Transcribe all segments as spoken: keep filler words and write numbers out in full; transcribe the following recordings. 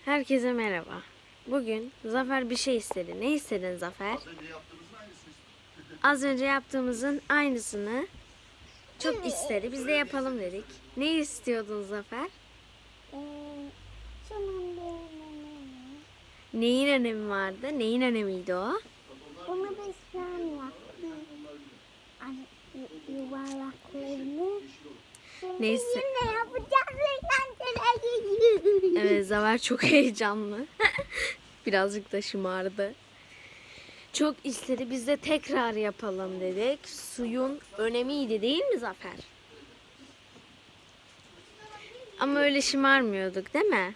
Herkese merhaba. Bugün Zafer bir şey istedi. Ne istedin Zafer? Az önce yaptığımızın aynısını çok istedi. Biz de yapalım dedik. Ne istiyordun Zafer? Neyin önemi vardı? Neyin önemiydi o? Bunu biz şu an yaptık. Hani yu- yuvarlaklarını. Şimdi Neyse. yine yapacağız. Eğlenceler. Evet, Zafer çok heyecanlı. Birazcık da şımardı. Çok istedi. Biz de tekrar yapalım dedik. Suyun önemiydi değil mi Zafer? Ama öyle şımarmıyorduk değil mi?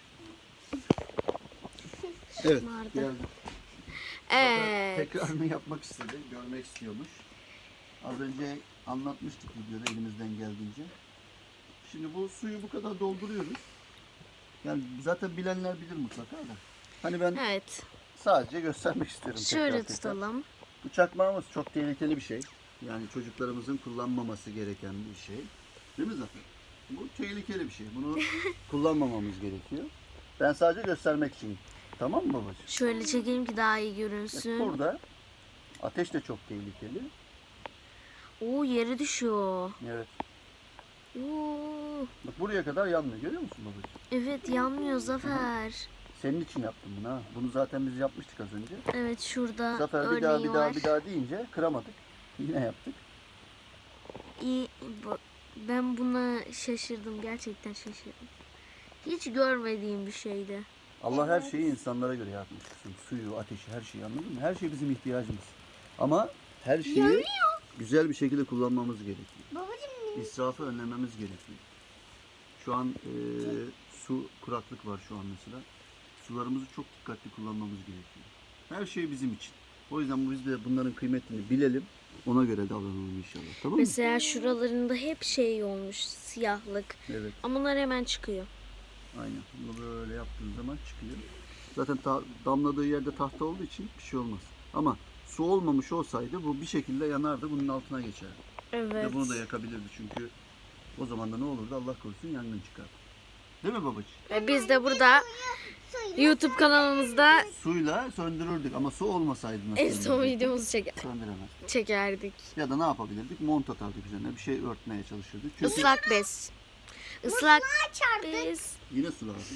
Evet, Şımardı. geldi. Evet. Tekrarını yapmak istedi, görmek istiyormuş. Az önce anlatmıştık videoda elimizden geldiğince. Şimdi bu suyu bu kadar dolduruyoruz. Yani zaten bilenler bilir mutlaka da. Hani ben Evet. sadece göstermek istiyorum. Şöyle tekrar tekrar. tutalım. Bu çakmağımız çok tehlikeli bir şey. Yani çocuklarımızın kullanmaması gereken bir şey. Değil mi Zafer? Bu tehlikeli bir şey. Bunu kullanmamamız gerekiyor. Ben sadece göstermek için. Tamam mı babacığım? Şöyle çekeyim ki daha iyi Bak görünsün. burada ateş de çok tehlikeli. Oo, yere düşüyor. Evet. Oo, Bak buraya kadar yanmıyor. Görüyor musun babacığım? evet, yanmıyor Zafer. Senin için yaptım bunu ha. Bunu zaten biz yapmıştık az önce. Evet, şurada Zafer bir örneği daha bir daha var. bir daha deyince kıramadık. Yine yaptık. İyi, bu- ben buna şaşırdım. Gerçekten şaşırdım. Hiç görmediğim bir şeydi. Allah her şeyi insanlara göre yapmış. Suyu, ateşi, her şeyi, anladın mı? Her şey bizim ihtiyacımız. Ama her şeyi güzel bir şekilde kullanmamız gerekiyor. Babacığım İsrafı önlememiz gerekiyor. Şu an e, su kuraklık var şu an mesela. Sularımızı çok dikkatli kullanmamız gerekiyor. Her şey bizim için. O yüzden biz de bunların kıymetini bilelim. Ona göre davranalım inşallah. Tamam mı? Mesela şuralarında hep şey olmuş, siyahlık. Evet. Ama bunlar hemen çıkıyor. Aynen. Bunu böyle yaptığın zaman çıkıyor. Zaten ta- damladığı yerde tahta olduğu için bir şey olmaz. Ama su olmamış olsaydı bu bir şekilde yanardı. Bunun altına geçerdi. Evet. Ve bunu da yakabilirdi çünkü o zaman da ne olurdu? Allah korusun yangın çıkardı. Değil mi babacığım? Ve biz de burada YouTube kanalımızda Suyla söndürürdük ama su olmasaydı nasıl en son söndürürdük? videomuzu çeker, Söndüremez. çekerdik. Ya da ne yapabilirdik? Mont atardık üzerine. Bir şey örtmeye çalışırdık. Çünkü Islak bez. Islak çarptık. bez. yine su lazım.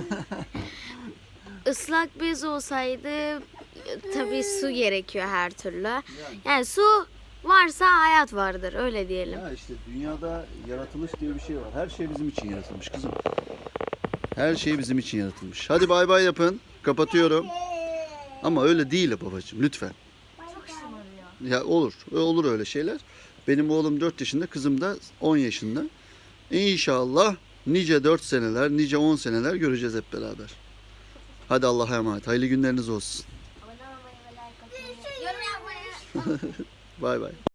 Islak bez olsaydı tabii su gerekiyor her türlü. Yani, Yani su varsa hayat vardır, öyle diyelim. ya işte dünyada yaratılış diye bir şey var. Her şey bizim için yaratılmış kızım. Her şey bizim için yaratılmış. Hadi bay bay yapın. Kapatıyorum. Ama öyle değil babacığım lütfen. Çok şımarıyor. Ya olur. Olur öyle şeyler. Benim oğlum dört yaşında, kızım da on yaşında. İnşallah nice dört seneler, nice on seneler göreceğiz hep beraber. Hadi Allah'a emanet. Hayırlı günleriniz olsun. Abone olmayı ve like atmayı. Yorum yapmayı. Bay bay.